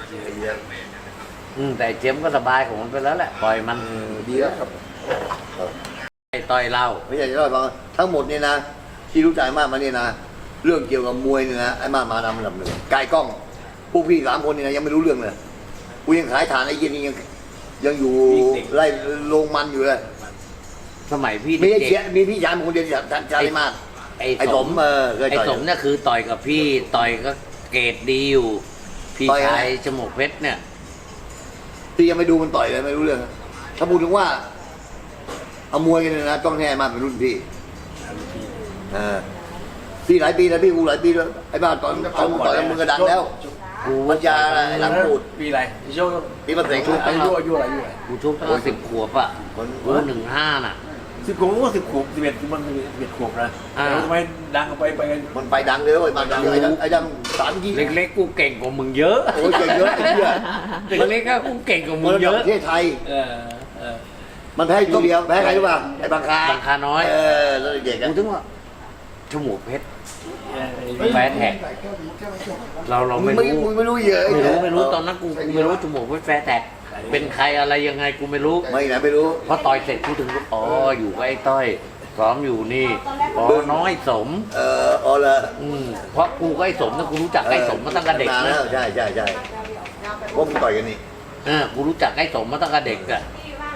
Speaker 1: อืมแต่ไอ้เจี๊ยบก็สบายของมันไปแล้วแหละปล่อยมัน
Speaker 4: ดีแล้วครับ
Speaker 1: ไอ้ต่อยเล่า
Speaker 4: ไม่ใช่จะเล่าให้ฟังทั้งหมดเนี่ยนะ ที่รู้จักมากมาเนี่ยนะ เรื่องเกี่ยวกับมวยเนี่ยนะไอ้มากมานำลำหนึ่งกายกล้องพวกพี่สามคนเนี่ยนะยังไม่รู้เรื่องเลยกูยังขายฐานไอ้เย็นนี่ยังยังอยู่ไล่โรงมันอยู่เลย
Speaker 1: สมัยพี่
Speaker 4: มีไอ้
Speaker 1: เด็
Speaker 4: เชีย
Speaker 1: ก
Speaker 4: มีพี่ชายมันคนเดียวที่ชายมาก
Speaker 1: ๆไอ้
Speaker 4: ไอ้สมเออเคย
Speaker 1: ไอ้
Speaker 4: ต่อย
Speaker 1: สมเนี่ยคือต่อยกับพี่ต่อยก็เกรดดีอยู่ พี่
Speaker 4: ต่อยอะไร
Speaker 1: ชายฉมวกเพชรเนี่ย
Speaker 4: ที่ยังไม่ดูมันต่อยเลยไม่รู้เรื่อง ถ้าพูดถึงว่าเอามวยกันเนี่ยนะต้องให้ไอ้มากเป็นรุ่นพี่เออพี่หลายปีแล้วพี่กูหลายปีแล้วไอ้บ้านตอนตอนต่อยกับมึงก็ดังแล้ว
Speaker 1: กู
Speaker 4: ปัญญาอะไรหลังปูด
Speaker 3: ปีอะไรพี่โชค
Speaker 4: พี่มาเสก
Speaker 3: อายุอายุอายุอะไรอายุอะไร
Speaker 1: กูทุบตั้งสิบขวบอ่ะ
Speaker 4: คน
Speaker 1: กูหนึ่งห้าน่ะ
Speaker 3: สิบขวบก็สิบขวบสิบเอ็ดมันสิบเอ็ดขวบนะ
Speaker 1: อ่า
Speaker 3: แล้วทำไมดังไปไปกัน
Speaker 4: มันไปดังเลยไอ้บ้านดังเลยไอ้ดังไอ้ดังสามยี่
Speaker 1: เล็กๆกูเก่งกว่ามึงเยอะ
Speaker 4: โอ้ยเก่งเยอะไอ้เหี้ย
Speaker 1: เล็กๆก็กูเก่งกว่ามึ
Speaker 4: มัน
Speaker 1: ง
Speaker 4: ระ
Speaker 1: เย
Speaker 4: ดับ
Speaker 1: อะ
Speaker 4: ประเทศไทย
Speaker 3: เออเออ
Speaker 4: มันแพ้ตัวเดียวแพ้ใครรู้ป่ะไอ้บางคา
Speaker 1: บางคาน้อย
Speaker 4: เออแล้วเด็ก
Speaker 1: กู
Speaker 4: อะ
Speaker 1: ถึงว่าฉมวกเพชร
Speaker 3: เออ
Speaker 1: แฟนแท็กเราเรา
Speaker 4: มึ
Speaker 1: ไม่
Speaker 4: งไม่
Speaker 1: รู้
Speaker 4: มึงไม่รู้เยอะ
Speaker 1: ไม่รู้ไม่รู้ตอนนั้นกูกูไม่รู้ฉมวกเพชรแฟนแท็กเป็นใครอะไรยังไงกูไม่รู้
Speaker 4: ไม่นะไม่รู้
Speaker 1: พอต่อยเสร็จกูถึงรู้อ๋ออยู่กับไอ้ต้อยซ้อมอยู่นี่อ๋อน้อยสม
Speaker 4: เอออ๋อเลย
Speaker 1: อืมเพราะกูกับไอ้สมเนี่ยกูรู้จักไอ้สมมาตั้งแต่เด็ก
Speaker 4: นาน
Speaker 1: นะ
Speaker 4: แล้วใช่ใช่ใช่พวกมึงต่อยกันนี่
Speaker 1: เออกูรู้จักไอ้สมมาตั้งแต่เด็กอะ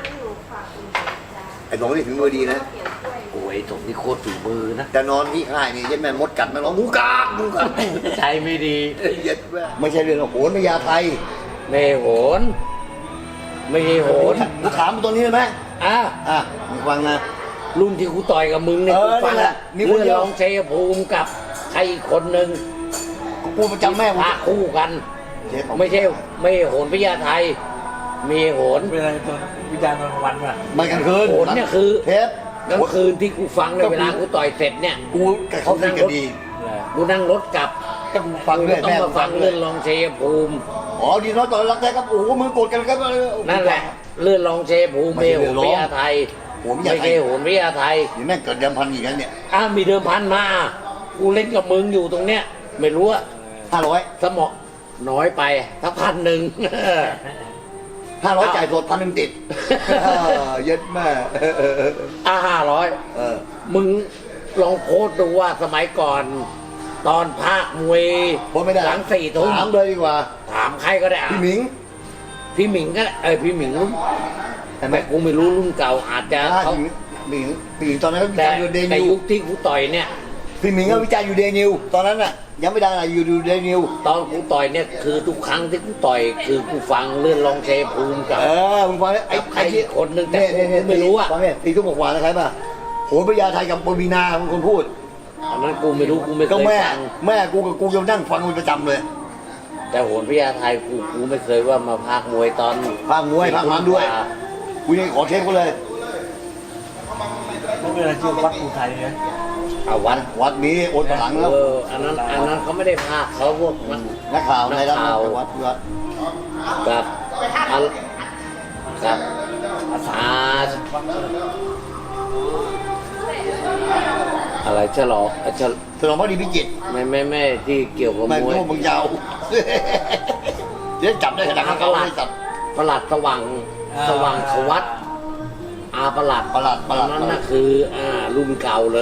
Speaker 4: ไอ้สองนี่ถึงมือดีนะ
Speaker 1: โอ้ยไอ้สมนี่โคตรฝีมือนะ
Speaker 4: แต่นอนที่ค่ายนี่เย็ดแม่มดกัดมันร้องหมูกาบหมูกาบ
Speaker 1: ใจไม่ดี
Speaker 4: เย็ดแม่ไม่ใช่เรื่องโหนพญาไทย
Speaker 1: ไม่โหนไม่ใช่โหน
Speaker 4: กูถามมึงตัวนี้ได้ไหม
Speaker 1: อ่ะ
Speaker 4: อ่ะมึงฟังนะ
Speaker 1: รุ่นที่กูต่อยกับมึงเนี่ย
Speaker 4: เอ
Speaker 1: กู
Speaker 4: อ
Speaker 1: ฟัง
Speaker 4: นี่แหละมีคน
Speaker 1: เรื่
Speaker 4: เดี
Speaker 1: อ
Speaker 4: ยว
Speaker 1: งรองชัยภูมิกับใครอีกคนหนึ่ง
Speaker 4: กูประจำแม่กู
Speaker 1: พาคู่กัน
Speaker 4: เช็ด
Speaker 1: ไม่ใช่ไม่โหนพญาไทย มีโหน
Speaker 3: เป็นอะไรตอนวิจารณ์ตอนกลางวันป่ะ
Speaker 4: มันกลางคืน
Speaker 1: โหนเนี่ยคือ
Speaker 4: เทป
Speaker 1: กลางคืนที่กูฟังในยเวลากูต่อยเสร็จเนี่ย
Speaker 4: กูกับเขาดีกันดี
Speaker 1: กูนั่งรถกลับ
Speaker 4: ก็ฟัง
Speaker 1: กู
Speaker 4: เรื่อย
Speaker 1: ต้อง
Speaker 4: แม่
Speaker 1: มาฟังเรื่องรองชัยภูมิ
Speaker 4: อ๋อดีน้อยต่อรักแท้ครับโอ้โหมึงโกรธกันครับ
Speaker 1: นั่นแหละเลื่อนรองชัยภูมิ
Speaker 4: ไม่
Speaker 1: ไม่
Speaker 4: ใช่
Speaker 1: โห
Speaker 4: เลื่อน
Speaker 1: น
Speaker 4: รอง
Speaker 1: พญาไทย
Speaker 4: โหนพญา
Speaker 1: ไม่
Speaker 4: ไทย
Speaker 1: ใช่โหนพญาไทย
Speaker 4: นี่แม่งเกิดเดิมพันอีกแล้วเนี่ย
Speaker 1: อ้าวมีเดิมพันมา กูเล่นกับมึงอยู่ตรงเนี้ย ไม่รู้อะ
Speaker 4: ห้าร้อย
Speaker 1: สมองน้อยไปถ้าพันหนึ่ง
Speaker 4: ห้าร้อยจ่ายสดพันหนึ่งติดเย็ดแม่
Speaker 1: อ่าห้าร้อย
Speaker 4: เออ
Speaker 1: มึงลองโพสต์ดูว่าสมัยก่อน ตอนภาคมวย
Speaker 4: พ้นไม่ได้
Speaker 1: หลังสี่ทุ่ม
Speaker 4: ถามเลยดีกว่า
Speaker 1: ถามใครก็ได้อ่ะ
Speaker 4: พี่หมิง
Speaker 1: พี่หมิงก็ได้เออพี่หมิงรุ่น
Speaker 4: เห็นไหม
Speaker 1: แต่กูไม่รู้รุ่นเก่าอาจจะ
Speaker 4: ถ้า
Speaker 1: เขา
Speaker 4: พี่หมิงพี่หมิงตอนนั้นก็วิ
Speaker 1: แต่
Speaker 4: จารณ์อยู่เด
Speaker 1: แต่
Speaker 4: นิว
Speaker 1: ยุคที่กูต่อยเนี่ย
Speaker 4: พี่หมิงก็วิจารณ์อยู่เดนิวตอนนั้นน่ะยังไม่ดังอะไรอยู่ดูเดนิว
Speaker 1: ตอนกูต่อยเนี่ยคือทุกครั้งที่กูต่อยคือกูฟังเรื่องรองเชภูมิกับ
Speaker 4: เออมึงฟังไอ้
Speaker 1: กับใคร
Speaker 4: ไอ้ที่
Speaker 1: อีกคนนึงแต่
Speaker 4: เนี่ยเนี่ย
Speaker 1: กูไม่รู้อะ
Speaker 4: ฟังเนี่ยตีทุ่มกว่านะครับป่ะโหนพญาไทยกับปวีนาเป็นคนพูด
Speaker 1: อันนั้นกูไม่รู้กูไม่เค
Speaker 4: ก็
Speaker 1: ย
Speaker 4: แม่
Speaker 1: ฟัง
Speaker 4: แม่กูกับกูยังนั่งฟังมันประจำเลย
Speaker 1: แต่โหนพญาไทยกูกูไม่เคยว่ามาพากมวยตอน
Speaker 4: ภาคมวยภาคมันด้วยกูยังขอเทปเขาเลย
Speaker 3: ไม่เป็นอะไรชื่อวัดภูไทยนะ
Speaker 1: เอาวัน
Speaker 4: วัดนี้โอนหลังแล้ว
Speaker 1: เอออันนั้นอันนั้นเขาไม่ได้พากเขาพวกมัน
Speaker 4: นักข่าวในรัฐ
Speaker 1: นักข่าว
Speaker 4: วัดวัด
Speaker 1: กับอันกับอาอะไรฉลองฉล
Speaker 4: ถนนพระดีพิจิตร
Speaker 1: ไม่ไม่ไม่ที่เกี่ยวกับ
Speaker 4: ไม่
Speaker 1: มวย
Speaker 4: รู้มึงยาวเดี๋ยวจับได้ขนาดนั้นเขาไม่จับ
Speaker 1: ประหลัดสว่างสว่างขวัตอาประหลัด
Speaker 4: ประหลัดประหลัด
Speaker 1: อันนั้นน่ะคืออ่ารุ่นเก่าเลย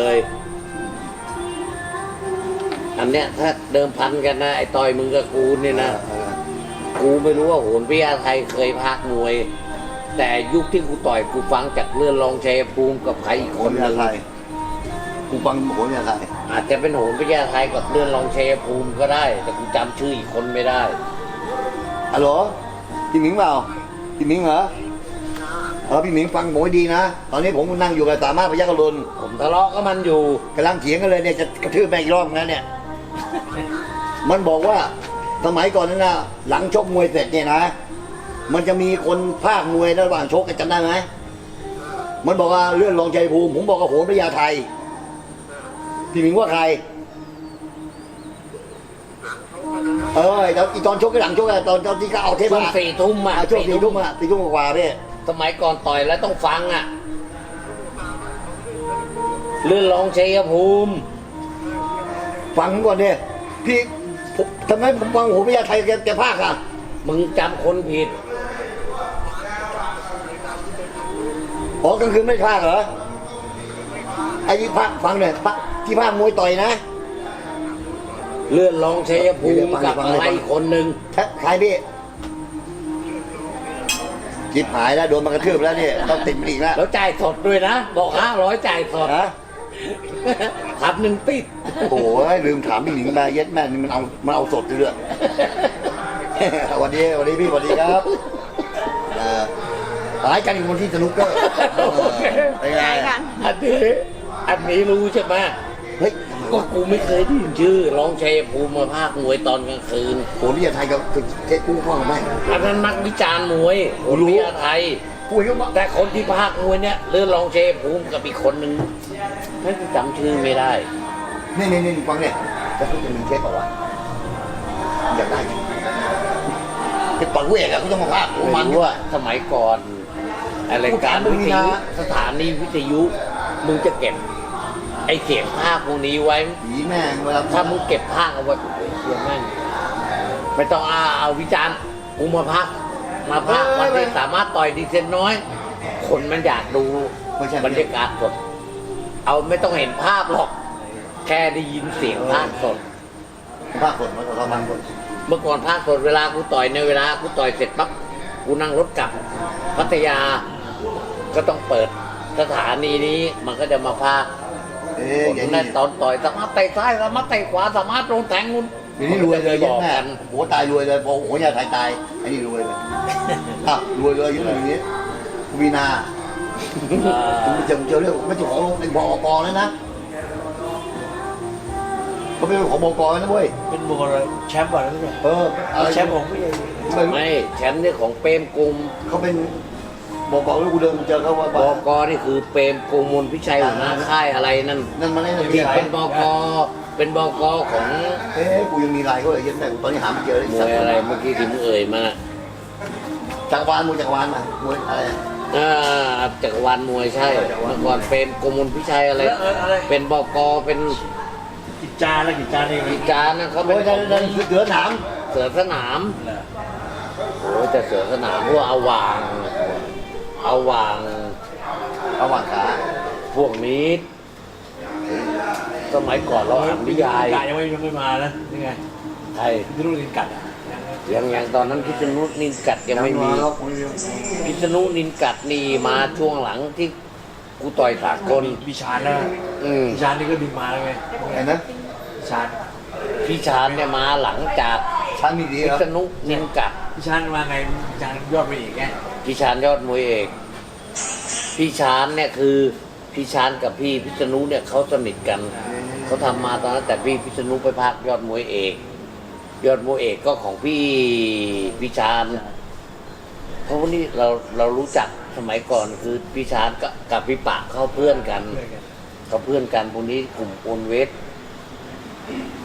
Speaker 1: อันเนี้ยถ้าเดิมพันกันนะไอ้ต่อยมึงกับกูเนี่ยนะกูไม่รู้ว่าโหนพิยาไทยเคยพากมวย แต่ยุคที่กูต่อยกูฟังจากเลื่อนรองชัยภูมิกับใครอีก
Speaker 4: โห
Speaker 1: คน
Speaker 4: น
Speaker 1: ห
Speaker 4: ยา
Speaker 1: นึ่ง
Speaker 4: ไทยกูฟังโหนยาไทย
Speaker 1: อาจจะเป็นโหนพิยาไทยกับเลื่อนรองชัยภูมิก็ได้ แต่กูจำชื่ออีกคนไม่ได้
Speaker 4: ฮัลโหลพี่หมิงเปล่าพี่หมิงเหรอเออพี่หมิงฟังผมให้ดีนะตอนนี้ผมนั่งอยู่กับสามารถพยัคฆ์รุน
Speaker 1: ผมทะเลาะกับมันอยู่
Speaker 4: กำลังเถียงกันเลยเนี่ยจะกระทืบแม่งอีกรอบนะเนี่ย มันบอกว่าสมัยก่อนนั้นนะหลังชกมวยเสร็จเนี่ยนะ มันจะมีคนภาคมวยระหว่างชกกันจำได้ไหมมันบอกว่าเลื่อนรองชัยภูมิผมบอกว่าโหนพญาไทยพี่หมิงว่าใครเออตอนอีตอนชกกับหลังชกอะตอนตอนที่เขาเอาเทป
Speaker 1: ช่วง
Speaker 4: อะ
Speaker 1: สี่ทุ่มอ่ะ
Speaker 4: อ่ะช่วงสี่ทุ่มอะสี่ทุ่มกว่าๆเนี่ย
Speaker 1: สมัยก่อนต่อยแล้วต้องฟังอ่ะ เลื่อนรองชัยภูมิ
Speaker 4: ฟังก่อนเนี่ยพี่ผมทำไมผมฟังโหนพญาไทยแกแกภาคอะ
Speaker 1: มึงจำคนผิด
Speaker 4: อ๋อกลางคืนไม่ภาคเหรอไอ้ที่ภาคฟังหน่อยภาคที่ภาคมวยต่อยนะ
Speaker 1: เลื่อนรองชัยภูมิ
Speaker 4: เดี๋ยวฟัง
Speaker 1: กับ
Speaker 4: ฟัง
Speaker 1: อะไร
Speaker 4: ฟัง
Speaker 1: อีกคนหนึ่ง
Speaker 4: ใครพี่จิบหายแล้วโดนมากระทืบแล้วเนี่ยต้องติดมันอีกแล้ว
Speaker 1: แล้วจ่ายสดด้วยนะ บอกห้าร้อยจ่ายสด
Speaker 4: ฮะ
Speaker 1: พันหนึ่งติด
Speaker 4: โอ้ยลืมถามพี่หนิงมาเย็ดแม่นี่มันเอามันเอาสดเลย สวัสดีสวัสดีพี่สวัสดีครับเอ่อหายกันอยู่บนที่สนุกเกอร์เออเป็นไง
Speaker 2: ใช่กัน
Speaker 1: อันนี้อันนี้รู้ใช่ไหม
Speaker 4: เฮ้ย
Speaker 1: ก็กูไม่เคยได้ยินชื่อรองชัยภูมิมาภาคมวยตอนกลางคืน
Speaker 4: โหนี่ยไทยกับเจ๊กู้พ่อไหม
Speaker 1: อันนั้นนักวิจารณ์มวย
Speaker 4: กูรู้
Speaker 1: วิทยาไทย
Speaker 4: ปุ้ยก็บอก
Speaker 1: แต่คนที่ภาคมวยเนี่ยเลื่อนรองชัยภูมิกับอีกคนหนึ่งไม่จำชื่อไม่ได้
Speaker 4: นี่นี่นี่ฟังเนี่ยจะพูดจะมีเช็คเปล่าวะอยากได้จะต่อยเวกอะเขาจะมาภาคโอ้
Speaker 1: ไม่
Speaker 4: มัน
Speaker 1: รู้ว่าสมัยก่อนอะไรายการวิทยุสถานีวิทยุมึงจะเก็บ ไอเสียงภาคพวกนี้ไว้
Speaker 4: ผีแม่งเวลา
Speaker 1: ถ้ามึงเก็บภาคเอาไว้โอ้โหเสียแม่งไม่ต้องเอาเอาวิจารณ์กูมาพักมาพักวันที่สามารถต่อยดีเซนน้อย คนมันอยากดู
Speaker 4: ไม่ใช่
Speaker 1: บรรยากาศสด เอาไม่ต้องเห็นภาพหรอก แค่ได้ยินเสียงภาคสด
Speaker 4: ภาคสดมันประมาณคน
Speaker 1: เมื่อก่อนภาคสดเวลากูต่อยในเวลากูต่อยเสร็จปั๊บกูนั่งรถกลับพัทยา ก็ต้องเปิดสถานีนี้มันก็จะมาภาค
Speaker 4: เอ๊
Speaker 1: ผ
Speaker 4: ะ
Speaker 1: ม
Speaker 4: อย่าง
Speaker 1: นั่
Speaker 4: นี้
Speaker 1: นตอนต่อยสามารถเตะซ้ายสามารถเตะขวาสามารถโดนแทงคุณ
Speaker 4: อย่างนี้รวยเลย
Speaker 1: บ
Speaker 4: ยั
Speaker 1: อก
Speaker 4: แม่
Speaker 1: กัน
Speaker 4: โหตายรวยเลยพอโหยาไทยตายไอ้นี่รวยเลยอ่ะรวยเลยอยังอย่างนี้คุณวีนาคุณเจอเจอเรื่องไม่ใช่ของเป็นบกแล้วนะเขาเป็นของบกนะเว้ย
Speaker 3: เป็นบุคคลแชมป์ก่อนแล้วไม่ใช่
Speaker 4: เอออะไร
Speaker 3: แชมป์ของพี่
Speaker 4: ไม่
Speaker 1: ไม่แชมป์นี่ของเปรมกรุง
Speaker 4: เขาเป็นบกแล้วกูเดินเจอเขาว่า
Speaker 1: บกนี่คือเปรมกรุงมลพิชัยหัวหน้าค่ายอะไรนั่น
Speaker 4: นั่นมาเล่น
Speaker 1: ที่เป็นบกเป็นบกของ
Speaker 4: เอ๊ะกูยังมีลายเขาเลยยันแต่ตอนนี้หาไม่เจอเลย
Speaker 1: มวยอะไรเมื่อกี้ที่มึงเอ่ยมา
Speaker 4: จักรวาลมวยจักรวาลมามวยอะไร
Speaker 1: อ่าจักรวาลมวยใช่เมื่อก่อนเป็นกรมมลพิชัยอะไร เป็นบกเป็น
Speaker 3: กิจจาแล้วกิจจานี่
Speaker 1: กิจการนะเขา
Speaker 4: โอ้
Speaker 1: เป็น
Speaker 4: ยนั่นนั่นเสือหนาม
Speaker 1: เสือสนามโอ้แต่เสือสนามพวกเอาวาง เอาวาง
Speaker 4: ระหว่างขา
Speaker 1: พวกนี้ สมัยก่อนเราอ่านนิยาย
Speaker 3: กายังไม่ยังไม่มานะนี่ไง
Speaker 1: ไทย
Speaker 3: ที่รุ่นกินกัดอ่ะ
Speaker 1: ยังยังตอนนั้นพิษณุนินกัดยังไม่มี
Speaker 4: ครับ
Speaker 1: พิษณุนินกัดนี่มาช่วงหลังที่กูต่อยสากล
Speaker 3: วิชาญนะ
Speaker 1: อืม
Speaker 3: วิชาญนี่ก็ดึงมาแล้วไง
Speaker 4: ไงนะ
Speaker 3: วิชาญ
Speaker 1: พี่ชานเนี่ยมาหลังจาก
Speaker 4: ชั้นมีดี
Speaker 1: พิ
Speaker 4: ครับ
Speaker 1: ษณุนินกัด
Speaker 3: วิชาญมาไงวิชาญยอดไปอีกไง
Speaker 1: พี่ชานยอดมวยเอกพี่ชานเนี่ยคือพี่ชานกับพี่พิษณุเนี่ยเขาสนิทกันเขาทำมาตอนนั้นแต่พี่พิษณุไปพากยอดมวยเอก ยอดมวยเอกก็ของพี่พี่ชานเพราะวันนี้เราเรารู้จักสมัยก่อนคือพี่ชานกับกับพี่ปะเขาเพื่อนกัน
Speaker 3: เพื่อนกัน
Speaker 1: เขาเพื่อนกันพวกนี้กลุ่มโอนเวส